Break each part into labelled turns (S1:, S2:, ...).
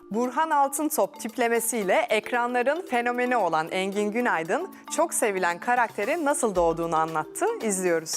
S1: Burhan Altıntop tiplemesiyle ekranların fenomeni olan Engin Günaydın, çok sevilen karakteri nasıl doğduğunu anlattı. İzliyoruz.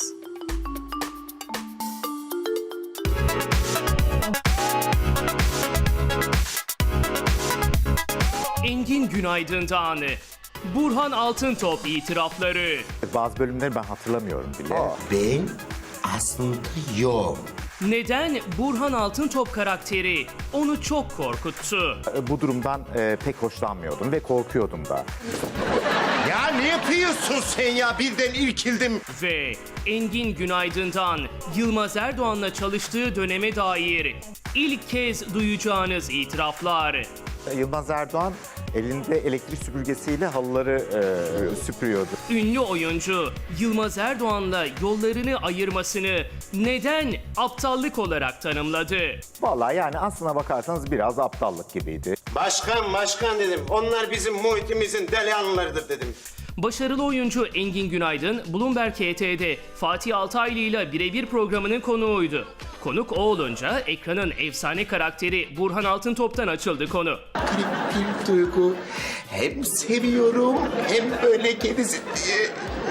S2: Engin Günaydın'dan Burhan Altıntop itirafları.
S3: Bazı bölümleri ben hatırlamıyorum bile.
S4: Ben aslında yok.
S2: Neden Burhan Altıntop karakteri onu çok korkuttu?
S3: Bu durumdan pek hoşlanmıyordum ve korkuyordum da.
S4: Ya ne yapıyorsun sen ya? Birden irkildim.
S2: Ve Engin Günaydın'dan Yılmaz Erdoğan'la çalıştığı döneme dair ilk kez duyacağınız itiraflar.
S3: Yılmaz Erdoğan elinde elektrik süpürgesiyle halıları süpürüyordu.
S2: Ünlü oyuncu Yılmaz Erdoğan'la yollarını ayırmasını neden aptallık olarak tanımladı?
S3: Vallahi yani aslına bakarsanız biraz aptallık gibiydi.
S4: Başkan dedim. Onlar bizim muhitimizin delihanlılarıdır dedim.
S2: Başarılı oyuncu Engin Günaydın, Bloomberg HT'de Fatih Altaylı ile birebir programının konuğuydu. Konuk o olunca ekranın efsane karakteri Burhan Altıntop'tan açıldı konu.
S4: Garip bir duygu. Hem seviyorum hem böyle kedisi diye.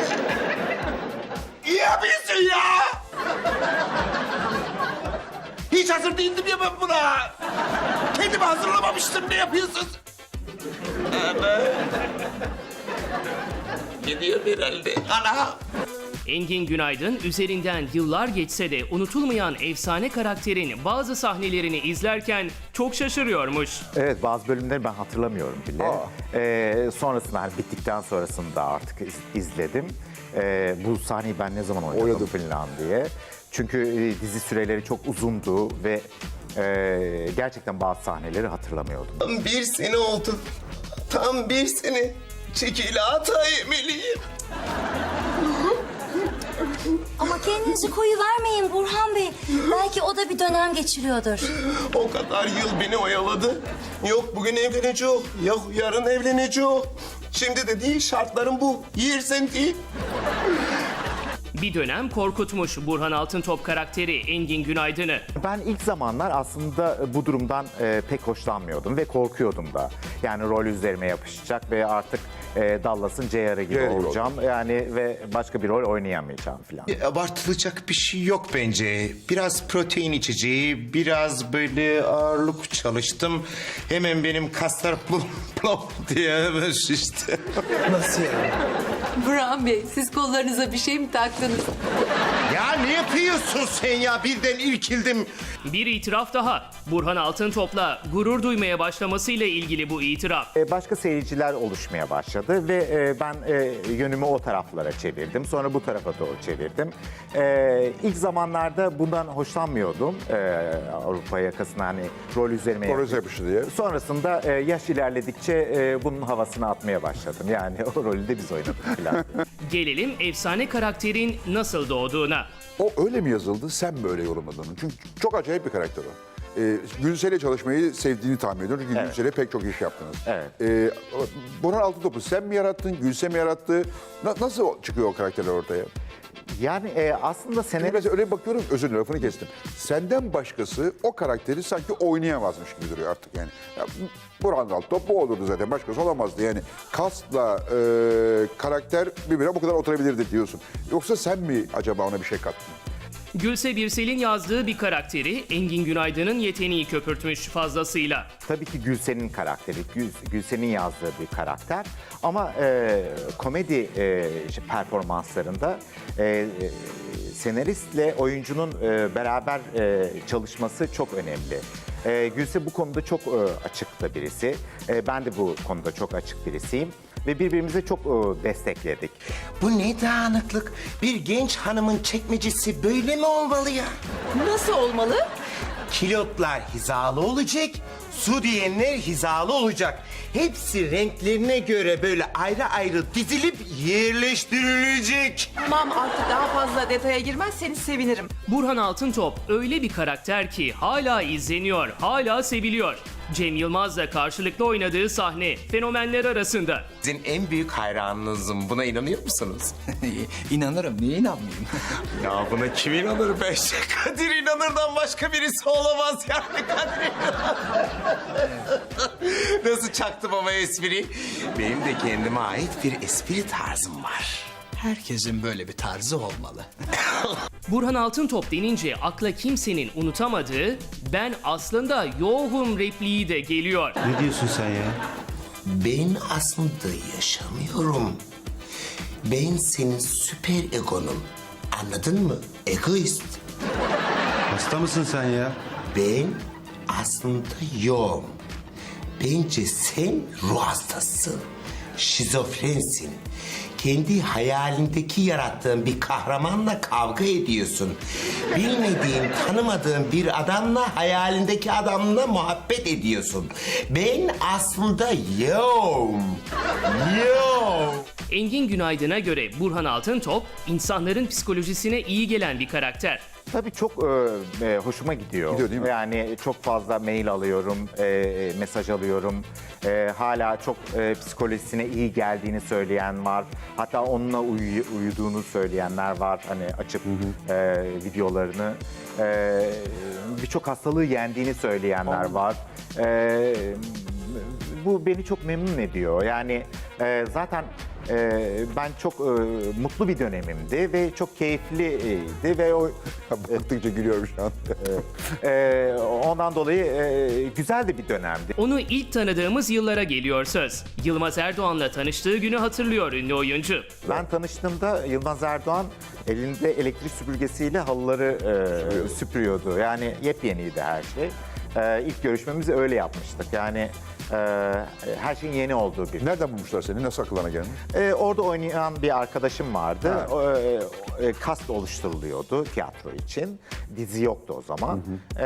S4: İyi yapıyorsun ya. Hiç hazır değildim ya ben buna. Kendimi hazırlamamıştım. Ne yapıyorsun? Ana. Gidiyor herhalde. Ana.
S2: Engin Günaydın üzerinden yıllar geçse de unutulmayan efsane karakterin bazı sahnelerini izlerken çok şaşırıyormuş.
S3: Evet, bazı bölümleri ben hatırlamıyorum bile. Sonrasında hani bittikten sonrasında artık izledim. Bu sahneyi ben ne zaman oynadım falan diye. Çünkü dizi süreleri çok uzundu ve gerçekten bazı sahneleri hatırlamıyordum.
S4: Tam bir sene oldu. Tam bir sene. Çekilata yemeliyim.
S5: Ama kendinizi koyu vermeyin Burhan Bey. Belki o da bir dönem geçiriyordur.
S4: O kadar yıl beni oyaladı. Yok bugün evleneceğim, yok yarın evleneceğim. Şimdi de değil, şartlarım bu. Yersen değil.
S2: Bir dönem korkutmuş Burhan Altıntop karakteri Engin Günaydın'ı.
S3: Ben ilk zamanlar aslında bu durumdan pek hoşlanmıyordum ve korkuyordum da. Yani rol üzerime yapışacak ve artık Dallas'ın J.R.'ı gibi olacağım. Yani ve başka bir rol oynayamayacağım falan.
S4: Abartılacak bir şey yok bence. Biraz protein içeceği, biraz böyle ağırlık çalıştım. Hemen benim kaslar plop diye hemen şişti. Nasıl yani?
S6: Burhan Bey, siz kollarınıza bir şey mi taktınız?
S4: Ya ne yapıyorsun sen ya? Birden irkildim.
S2: Bir itiraf daha. Burhan Altıntop'la gurur duymaya başlamasıyla ilgili bu itiraf.
S3: Başka seyirciler oluşmaya başladı ve ben yönümü o taraflara çevirdim. Sonra bu tarafa doğru çevirdim. İlk zamanlarda bundan hoşlanmıyordum. Avrupa yakasına hani rol üzerime
S7: yapışı diye.
S3: Sonrasında yaş ilerledikçe bunun havasını atmaya başladım. Yani o rolü de biz oynadık falan.
S2: Gelelim efsane karakterin nasıl doğduğuna.
S7: O öyle mi yazıldı, sen mi öyle yorumladın? Çünkü çok acayip bir karakter o. Gülsel'le çalışmayı sevdiğini tahmin ediyorum. Çünkü Gülsel'le pek çok iş yaptınız.
S3: Evet.
S7: Burhan Altıntop'u sen mi yarattın, Gülsel mi yarattı? Nasıl çıkıyor o karakterler ortaya?
S3: Yani aslında
S7: Şimdi mesela öyle bakıyorum, özür dilerim lafını kestim. Senden başkası o karakteri sanki oynayamazmış gibi duruyor artık yani. Ya, Burhan Altıntop bu olurdu zaten, başkası olamazdı yani. Kasla karakter birbirine bu kadar oturabilirdi diyorsun. Yoksa sen mi acaba ona bir şey kattın?
S2: Gülse Birsel'in yazdığı bir karakteri Engin Günaydın'ın yeteneği köpürtmüş fazlasıyla.
S3: tabii ki Gülsen'in karakteri, Gülsen'in yazdığı bir karakter. Ama komedi performanslarında senaristle oyuncunun beraber çalışması çok önemli. Gülse bu konuda çok açık da birisi. Ben de bu konuda çok açık birisiyim. Ve birbirimize çok destekledik.
S4: Bu ne dağınıklık? Bir genç hanımın çekmecesi böyle mi olmalı ya?
S6: Nasıl olmalı?
S4: Kilotlar hizalı olacak, su diyenler hizalı olacak. Hepsi renklerine göre böyle ayrı ayrı dizilip yerleştirilecek.
S6: Tamam artık daha fazla detaya girmezseniz sevinirim.
S2: Burhan Altıntop öyle bir karakter ki hala izleniyor, hala seviliyor. Cem Yılmaz'la karşılıklı oynadığı sahne fenomenler arasında.
S4: Sizin en büyük hayranınızım. Buna inanıyor musunuz?
S8: İnanırım, niye inanmayayım?
S4: Ya buna kim inanır be? Kadir İnanır'dan başka birisi olamaz yani Kadir İnanır. nasıl çaktım ama espri? Benim de kendime ait bir espri tarzım var.
S8: Herkesin böyle bir tarzı olmalı.
S2: Burhan Altıntop denince akla kimsenin unutamadığı "ben aslında yoğum" repliği de geliyor.
S4: Ne diyorsun sen ya? Ben aslında yaşamıyorum. Ben senin süper egonum. Anladın mı? Egoist.
S9: Hasta mısın sen ya?
S4: Ben aslında yoğum. Bence sen ruh hastasın. Şizofrensin. Kendi hayalindeki yarattığın bir kahramanla kavga ediyorsun. Bilmediğin, tanımadığın bir adamla hayalindeki adamla muhabbet ediyorsun. Ben aslında yoğum. Yoğum.
S2: Engin Günaydın'a göre Burhan Altıntop insanların psikolojisine iyi gelen bir karakter.
S3: Tabii çok hoşuma gidiyor.
S7: Gidiyor değil mi?
S3: Yani çok fazla mail alıyorum, mesaj alıyorum. Hala çok psikolojisine iyi geldiğini söyleyen var. Hatta onunla uyuduğunu söyleyenler var. Hani açıp videolarını. Birçok hastalığı yendiğini söyleyenler var. Bu beni çok memnun ediyor. Yani zaten ben çok mutlu bir dönemimdi ve çok keyifliydi ve o
S7: Baktıkça gülüyorum şu an.
S3: ondan dolayı güzel de bir dönemdi.
S2: Onu ilk tanıdığımız yıllara geliyor söz. Yılmaz Erdoğan'la tanıştığı günü hatırlıyor ünlü oyuncu.
S3: Ben tanıştığımda Yılmaz Erdoğan elinde elektrik süpürgesiyle halıları süpürüyordu. Yani yepyeniydi her şey. İlk görüşmemizi öyle yapmıştık. Yani her şeyin yeni olduğu bir.
S7: Nereden bulmuşlar seni? Nasıl akıllarına gelmiş?
S3: Orada oynayan bir arkadaşım vardı. Kast oluşturuluyordu tiyatro için. Dizi yoktu o zaman.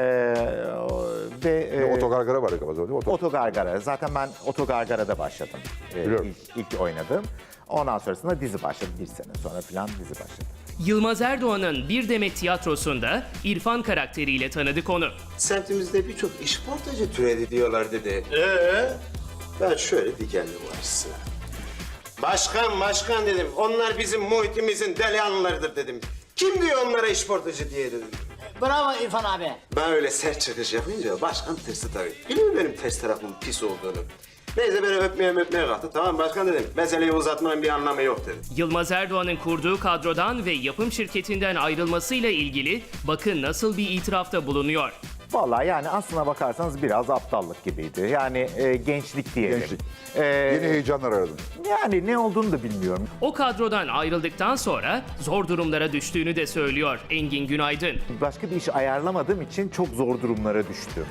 S7: Otogargara var kafada değil mi?
S3: Otogargara. Zaten ben Otogargara'da başladım.
S7: Biliyorum.
S3: İlk oynadım. Ondan sonrasında dizi başladı. Bir sene sonra falan dizi başladı.
S2: Yılmaz Erdoğan'ın Bir Demet Tiyatrosu'nda İrfan karakteriyle tanıdık onu.
S10: Semtimizde birçok işportacı türedi diyorlar dedi. Ben şöyle dikendim karşısına. Başkan dedim. Onlar bizim muhitimizin delihanlılarıdır dedim. Kim diyor onlara işportacı diye dedim.
S11: Bravo İrfan abi.
S10: Ben öyle sert çıkış yapınca başkan tırstı tabii. Biliyor musun benim ters tarafımın pis olduğunu? Neyse beni öpmeye kalktı. Tamam başkan dedim. Meseleyi uzatmanın bir anlamı yok dedim.
S2: Yılmaz Erdoğan'ın kurduğu kadrodan ve yapım şirketinden ayrılmasıyla ilgili bakın nasıl bir itirafta bulunuyor.
S3: Vallahi yani aslına bakarsanız biraz aptallık gibiydi. Yani gençlik diyelim.
S7: Gençlik.
S3: E,
S7: Yeni heyecanlar aradın.
S3: Yani ne olduğunu da bilmiyorum.
S2: O kadrodan ayrıldıktan sonra zor durumlara düştüğünü de söylüyor Engin Günaydın.
S3: Başka bir iş ayarlamadığım için çok zor durumlara düştüm.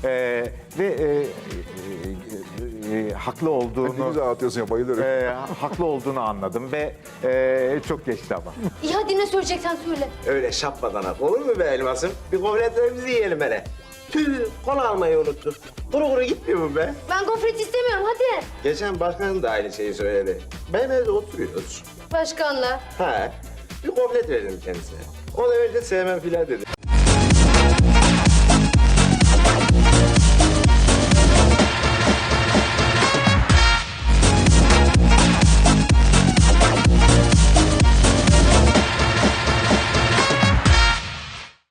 S3: Haklı
S7: Ne
S3: olduğunu
S7: güzel anlatıyorsun ya bayılıyorum.
S3: haklı olduğunu anladım ve çok geçti ama.
S5: İyi hadi ne söyleyeceksen söyle.
S10: Öyle şapmadan olur mu be elmasım? Bir gofretlerimizi yiyelim hele. Tüh, kola almayı unuttuk. Kuru gitmiyor mu be?
S5: Ben gofret istemiyorum hadi.
S10: Geçen başkanım da aynı şeyi söyledi. Benim evde oturuyoruz.
S5: Başkanla.
S10: Ha, bir gofret verdim kendisine. O da önce sevmem filan dedi.